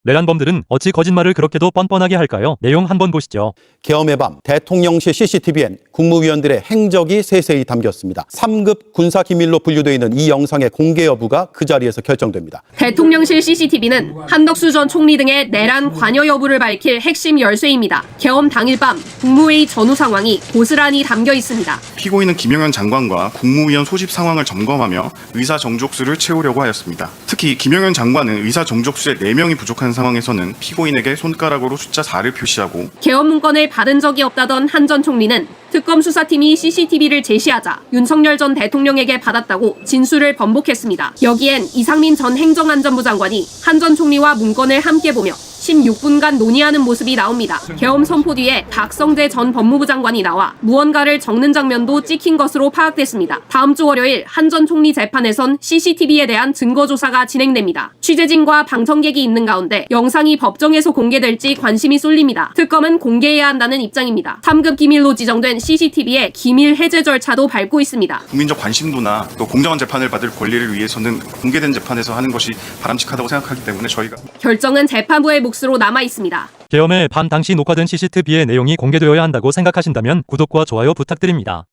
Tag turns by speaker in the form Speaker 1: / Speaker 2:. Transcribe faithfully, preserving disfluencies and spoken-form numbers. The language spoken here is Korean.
Speaker 1: 내란범들은 어찌 거짓말을 그렇게도 뻔뻔하게 할까요? 내용 한번 보시죠.
Speaker 2: 계엄의 밤 대통령실 씨씨티비엔 국무위원들의 행적이 세세히 담겼습니다. 삼 급 군사기밀로 분류되어 있는 이 영상의 공개 여부가 그 자리에서 결정됩니다.
Speaker 3: 대통령실 씨씨티비는 한덕수 전 총리 등의 내란 관여 여부를 밝힐 핵심 열쇠입니다. 계엄 당일 밤 국무회의 전후 상황이 고스란히 담겨 있습니다.
Speaker 4: 피고인은 김영현 장관과 국무위원 소집 상황을 점검하며 의사 정족수를 채우려고 하였습니다. 특히 김영현 장관은 의사 정족수에 네 명이 부족한 상황에서는 피고인에게 손가락으로 숫자 사를 표시하고
Speaker 3: 계엄 문건을 받은 적이 없다던 한 전 총리는 특검 수사팀이 씨씨티비를 제시하자 윤석열 전 대통령에게 받았다고 진술을 번복했습니다. 여기엔 이상민 전 행정안전부 장관이 한 전 총리와 문건을 함께 보며 십육 분간 논의하는 모습이 나옵니다. 계엄 선포 뒤에 박성재 전 법무부 장관이 나와 무언가를 적는 장면도 찍힌 것으로 파악됐습니다. 다음 주 월요일 한 전 총리 재판에선 씨씨티비에 대한 증거 조사가 진행됩니다. 취재진과 방청객이 있는 가운데 영상이 법정에서 공개될지 관심이 쏠립니다. 특검은 공개해야 한다는 입장입니다. 삼 급 기밀로 지정된 씨씨티비의 기밀 해제 절차도 밟고 있습니다.
Speaker 4: 국민적 관심도나 또 공정한 재판을 받을 권리를 위해서는 공개된 재판에서 하는 것이 바람직하다고 생각하기 때문에 저희가
Speaker 3: 결정은 재판부의 몫으로 남아 있습니다.
Speaker 1: 계엄의 밤 당시 녹화된 씨씨티비의 내용이 공개되어야 한다고 생각하신다면 구독과 좋아요 부탁드립니다.